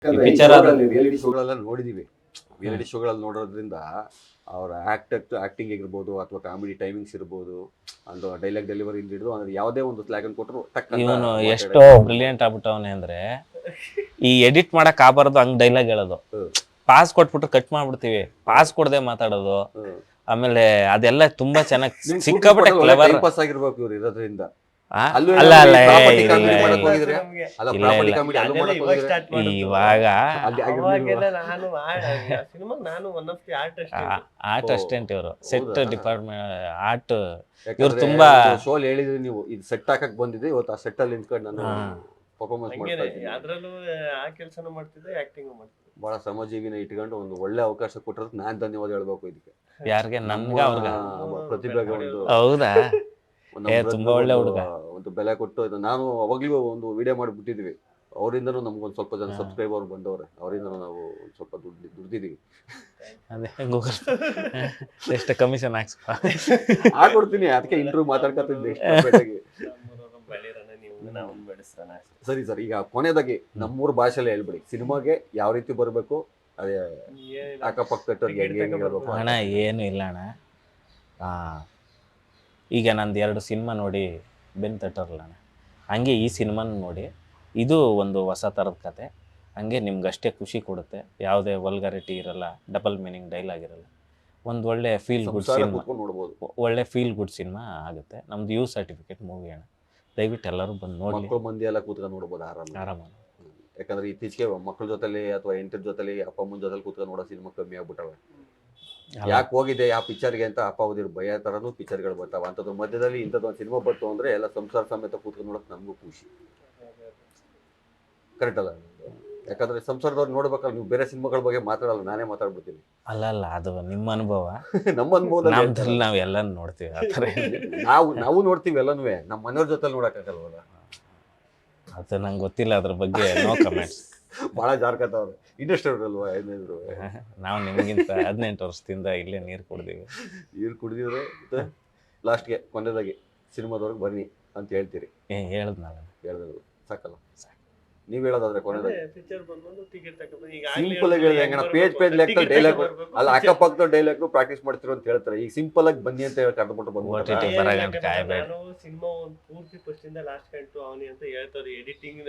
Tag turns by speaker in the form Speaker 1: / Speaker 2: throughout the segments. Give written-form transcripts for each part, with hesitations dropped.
Speaker 1: ಈ picture reality ಶೋಗಳೆಲ್ಲ ನೋಡಿದೀವಿ. Reality ಶೋಗಳಲ್ಲಿ ನೋಡೋದ್ರಿಂದ ಅವರ ಆಕ್ಟಿಂಗ್ ಆಗಿರ್ಬೋದು ಅಥವಾ ಕಾಮಿಡಿ ಟೈಮಿಂಗ್ಸ್ ಇರ್ಬೋದು, ಒಂದು ಡೈಲಾಗ್ ಡೆಲಿವರಿ ಹಿಡಿದು ಅಂದ್ರೆ ಯಾವುದೇ ಒಂದು ಸ್ಲ್ಯಾಗ್ ಅನ್ನು ಕೊಟ್ಟರು
Speaker 2: ಇವನು ಎಷ್ಟೋ ಬ್ರಿಲಿಯಂಟ್ ಆಗ್ಬಿಟ್ಟವನೆ ಅಂದ್ರೆ ಈ ಎಡಿಟ್ ಮಾಡಕ್ ಆಗಬಾರ್ದು ಹಂಗ್ ಡೈಲಾಗ್ ಹೇಳೋದು. ಪಾಸ್ ಕೊಟ್ಬಿಟ್ಟು ಕಟ್ ಮಾಡ್ಬಿಡ್ತೀವಿ, ಪಾಸ್ ಕೊಡದೆ ಮಾತಾಡೋದು. ಆಮೇಲೆ ಅದೆಲ್ಲ ತುಂಬಾ ಚೆನ್ನಾಗಿ ಸಿಕ್ಕಾಪಟ್ಟೆ ಕ್ಲೆವರ್
Speaker 1: ಪಾಸ್ ಆಗಿರ್ಬೇಕು ಇವ್ರು ಇರೋದ್ರಿಂದ.
Speaker 2: ಅಲ್ಲ ಅಲ್ಲ ಇವಾಗ ಆರ್ಟ್ ಅಸಿಸ್ಟೆಂಟ್ ಇವರು, ಸೆಟ್ ಡಿಪಾರ್ಟ್ಮೆಂಟ್ ಆರ್ಟ್ ಇವ್ರು ತುಂಬಾ
Speaker 1: ಶೋಲ್ ಹೇಳಿದ್ರಿ ನೀವು. ಇದು ಸೆಟ್ ಹಾಕಕ್ ಬಂದಿದೆ, ಇವತ್ತು ಆ ಸೆಟ್ ಅಲ್ಲಿ ನಿಂತ್ಕೊಂಡು ನಾನು ಪರ್ಫಾರ್ಮೆನ್ಸ್ ಮಾಡ್ತಾ ಇದ್ದೀನಿ. ಬಹಳ ಶ್ರಮಜೀವಿನ ಇಟ್ಕೊಂಡು ಒಂದು ಒಳ್ಳೆ ಅವಕಾಶ ಕೊಟ್ಟಿರೋದು ನಾನ್ ಧನ್ಯವಾದ ಹೇಳ್ಬೇಕು ಇದಕ್ಕೆ.
Speaker 2: ಯಾರಿಗೆ? ನನ್ಗ ಅವ್ರಿಗ?
Speaker 1: ಪ್ರತಿಭೆಗೆ ಒಂದು
Speaker 2: ಹೌದಾ? ತುಂಬಾ ಒಳ್ಳೆ ಹುಡುಗ.
Speaker 1: ಒಂದು ಬೆಲೆ ಕೊಟ್ಟು ನಾನು ಅವಾಗ್ಲೂ ಒಂದು ವಿಡಿಯೋ ಮಾಡಿಬಿಟ್ಟಿದ್ವಿ. ಅವರಿಂದನೂ ನಮ್ಗೊಂದು ಸ್ವಲ್ಪ ಜನ ಸಬ್ಸ್ಕ್ರೈಬರ್ ಬಂದವ್ರೆ, ಅವರಿಂದನೂ ನಾವು ಸ್ವಲ್ಪ ದುಡ್ದಿದ್ದೀವಿ.
Speaker 2: ಅದೇ ಗೂಗಲ್ ಎಷ್ಟು ಕಮಿಷನ್
Speaker 1: ಹಾಕೊಡ್ತೀನಿ. ಅದಕ್ಕೆ ಇಂಟರ್ವ್ಯೂ ಮಾತಾಡ್ಕೊತಿದ್ದೆ. ಸರಿ ಸರ್, ಈಗ ಕೊನೆದಾಗಿ ನಮ್ಮೂರು ಭಾಷೆಯಲ್ಲಿ ಹೇಳ್ಬಿಡಿ, ಸಿನಿಮಾಗೆ ಯಾವ ರೀತಿ ಬರಬೇಕು, ಅದೇ ಅಕ್ಕಪಕ್ಕದವ್ರಿಗೆ ಹೆಂಗೆ ಹೇಳ್ಬೇಕು?
Speaker 2: ಅಣ್ಣ ಏನು ಇಲ್ಲ ಅಣ್ಣ, ಈಗ ನಂದು 2 ಸಿನಿಮಾ ನೋಡಿ ಬೆನ್ನು ತಟ್ಟರಲ್ಲ ಅಣ್ಣ, ಹಂಗೆ ಈ ಸಿನಿಮಾನ ನೋಡಿ. ಇದು ಒಂದು ಹೊಸ ಥರದ ಕತೆ, ಹಂಗೆ ನಿಮ್ಗಷ್ಟೇ ಖುಷಿ ಕೊಡುತ್ತೆ. ಯಾವುದೇ ವಲ್ಗಾರಿಟಿ ಇರಲ್ಲ, ಡಬಲ್ ಮೀನಿಂಗ್ ಡೈಲಾಗ್ ಇರಲ್ಲ. ಒಂದು ಒಳ್ಳೆ ಫೀಲ್ ಗುಡ್ ಸಿನಿಮಾ, ಒಳ್ಳೆ ಫೀಲ್ ಗುಡ್ ಸಿನಿಮಾ ಆಗುತ್ತೆ. ನಮ್ದು ಯು ಸರ್ಟಿಫಿಕೇಟ್ ಮೂವಿ ಅಣ್ಣ, ದಯವಿಟ್ಟು ಎಲ್ಲರೂ ಬಂದು ನೋಡಿ.
Speaker 1: ಮಕ್ಕಳು ಮಂದಿ ಎಲ್ಲ ಕೂತ್ಕೊಂಡು ನೋಡ್ಬೋದು ಆರಾಮ. ಯಾಕಂದ್ರೆ ಇತ್ತೀಚೆಗೆ ಮಕ್ಕಳ ಜೊತೆಲಿ ಅಥವಾ ಹೆಂಡತಿ ಜೊತೆಲಿ ಅಪ್ಪ ಅಮ್ಮನ ಜೊತೆಲಿ ಕೂತ್ಕೊಂಡು ನೋಡೋ ಸಿನಿಮಾ ಕಮ್ಮಿ ಆಗ್ಬಿಟ್ಟವೆ. ಯಾಕೆ ಹೋಗಿದೆ ಯಾವ ಪಿಕ್ಚರ್ಗೆ ಅಂತ ಅಪ್ಪ ಓದಿರ್ ಭಯ ಥರನೂ ಪಿಕ್ಚರ್ಗಳು ಬರ್ತಾವೆ. ಅಂಥದ್ದು ಮಧ್ಯದಲ್ಲಿ ಇಂಥದ್ದು ಒಂದು ಸಿನಿಮಾ ಬರ್ತು ಅಂದರೆ ಎಲ್ಲ ಸಂಸಾರ ಸಮೇತ ಕೂತ್ಕೊಂಡು ನೋಡೋಕೆ ನಮಗೂ ಖುಷಿ. ಕರೆಕ್ಟ್ ಅಲ್ಲ? ಯಾಕಂದ್ರೆ ಸಂಸಾರದವ್ರು ನೋಡ್ಬೇಕಾದ್ರೆ ನೀವು ಬೇರೆ ಸಿನಿಮಾಗಳ ಬಗ್ಗೆ ಮಾತಾಡಲ್ಲ, ನಾನೇ ಮಾತಾಡ್ಬಿಡ್ತೀನಿ.
Speaker 2: ಅಲ್ಲ ಅದು ನಿಮ್ಮ ಅನುಭವ.
Speaker 1: ನಮ್ಮ ಅನುಭವದಲ್ಲಿ
Speaker 2: ನಾವು ಎಲ್ಲ ನೋಡ್ತೀವಿ ಆ ಥರ.
Speaker 1: ನಾವು ನೋಡ್ತೀವಿ ಎಲ್ಲನೂ, ನಮ್ಮ ಮನೆಯವ್ರ ಜೊತೆ ನೋಡೋಕ್ಕಾಗಲ್ವಲ್ಲ.
Speaker 2: ಅದು ನಂಗೆ ಗೊತ್ತಿಲ್ಲ ಅದ್ರ ಬಗ್ಗೆ, ನೋ ಕಮೆಂಟ್ಸ್.
Speaker 1: ಭಾಳ ಜಾರ್ಕತ್ತವ್ರೆ ಇಂಡಸ್ಟ್ರಿ ಅಲ್ವಾ ಏನಿದ್ರು.
Speaker 2: ನಾವು ನಿಮಗಿಂತ 18 ವರ್ಷದಿಂದ ಇಲ್ಲೇ ನೀರು
Speaker 1: ಕುಡಿದಿದ್ರೆ ಲಾಸ್ಟ್ಗೆ ಕೊನೆದಾಗಿ ಸಿನಿಮಾದವ್ರಿಗೆ ಬನ್ನಿ ಅಂತ ಹೇಳ್ತೀರಿ. ಹೇಳಿದ್ರು ಸಾಕಲ್ಲ? ನೀವ್ ಹೇಳೋದಾದ್ರೆ ಕೊನೆದಾಗಿ ಸಿಂಪಲ್ ಆಗಿ ಹೇಳಿದೆ. ಪೇಜ್ ಲೆಕ್ಕ ಡೈಲಾಗ್ ಅಲ್ಲ, ಅಕ್ಕಪಕ್ಕದ ಡೈಲಾಗ್ ಪ್ರಾಕ್ಟೀಸ್ ಮಾಡ್ತಿರೋ ಅಂತ ಹೇಳ್ತಾರೆ. ಈಗ ಸಿಂಪಲ್ ಆಗಿ ಬನ್ನಿ ಅಂತ ಹೇಳಿ ಕರೆದ್ಬಿಟ್ಟು
Speaker 3: ನಾನು ಸಿನಿಮಾ ಒಂದು ಪೂರ್ತಿ ಫಸ್ಟ್ ಇಂದ ಲಾಸ್ಟ್ ಕಂಟು ಅವನಿ ಅಂತ ಹೇಳ್ತಾರೆ. ಎಡಿಟಿಂಗ್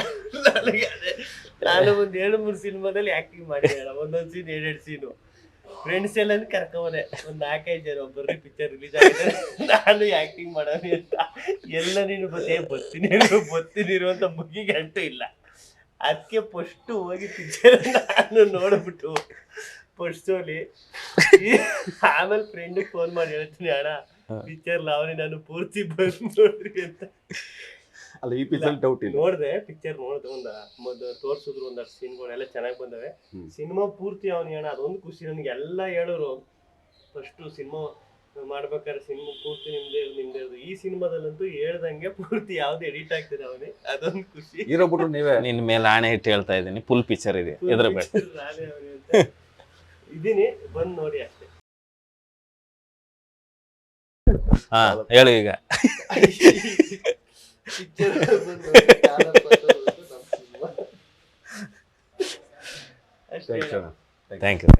Speaker 3: ನಾನು ಒಂದ್ 2-3 ಸಿನಿಮಾದಲ್ಲಿ ಆಕ್ಟಿಂಗ್ ಮಾಡಿದೆ. ಒಂದೊಂದ್ ಸೀನ್ 2 ಸೀನು ಫ್ರೆಂಡ್ಸ್ ಎಲ್ಲ ಕರ್ಕೊಂಡೆ, ಒಂದ್ 4-5 ಜನ ಬರ್ರಿ ಪಿಕ್ಚರ್ ರಿಲೀಸ್ ಆಗಿದೆ, ನಾನು ಆಕ್ಟಿಂಗ್ ಮಾಡೋನಿ ಅಂತ. ಎಲ್ಲ ನೀನು ಬರ್ತೀನಿ ಅಂತ ಮುಗಿಗೆ ಅಂಟು ಇಲ್ಲ. ಅದಕ್ಕೆ ಫಸ್ಟ್ ಹೋಗಿ ಪಿಕ್ಚರ್ ನಾನು ನೋಡ್ಬಿಟ್ಟು ಫಸ್ಟ್ ಶೋಲಿ ಆಮೇಲೆ ಫ್ರೆಂಡಿಗೆ ಫೋನ್ ಮಾಡಿ ಹೇಳ್ತೀನಿ, ಅಣ್ಣ ಪಿಕ್ಚರ್ ಲಾವಣಿ ನಾನು ಪೂರ್ತಿ ಬಂದು ನೋಡ್ರಿ ಅಂತ.
Speaker 1: ಅಲ್ಲ, ಈ ಪಿಕ್ಚರ್ ಡೌಟ್ ಇಲ್ಲ.
Speaker 3: ನೋಡ್ದೆ ಪಿಕ್ಚರ್ ತೋರ್ಸಿದ್ರು ಒಂದಷ್ಟು ಸೀನ್ಗಳೆಲ್ಲ ಚೆನ್ನಾಗಿ ಬಂದವೆ. ಸಿನಿಮಾ ಪೂರ್ತಿ ಅವನಿ ಅಣ್ಣ, ಅದೊಂದು ಖುಷಿ ನನಗೆ. ಎಲ್ಲ ಹೇಳೋರು ಫಸ್ಟ್ ಸಿನಿಮಾ ಮಾಡ್ಬೇಕಾದ್ರೆ ಸಿನಿಮಾ ಪೂರ್ತಿ ನಿಮ್ದೇ. ಈ ಸಿನಿಮಾದಲ್ಲಂತೂ ಹೇಳ್ದಂಗೆ ಪೂರ್ತಿ ಯಾವ್ದು ಎಡಿಟ್ ಆಗ್ತದೆ ಅವನೇ, ಅದೊಂದು ಖುಷಿ.
Speaker 1: ಇರೋಬಿಟ್ರು ನೀವೇ
Speaker 2: ನಿನ್ ಮೇಲೆ ಆಣೆ ಇಟ್ಟು ಹೇಳ್ತಾ ಇದ್ದೀನಿ, ಫುಲ್ ಪಿಕ್ಚರ್ ಇದೆ, ಎದುರಬೇಡ.
Speaker 3: ಇದೀನಿ, ಬಂದ್ ನೋಡಿ ಅಷ್ಟೇ.
Speaker 2: ಹಾ ಹೇಳು ಈಗ.
Speaker 3: ಅಷ್ಟೇ.
Speaker 2: Thank you.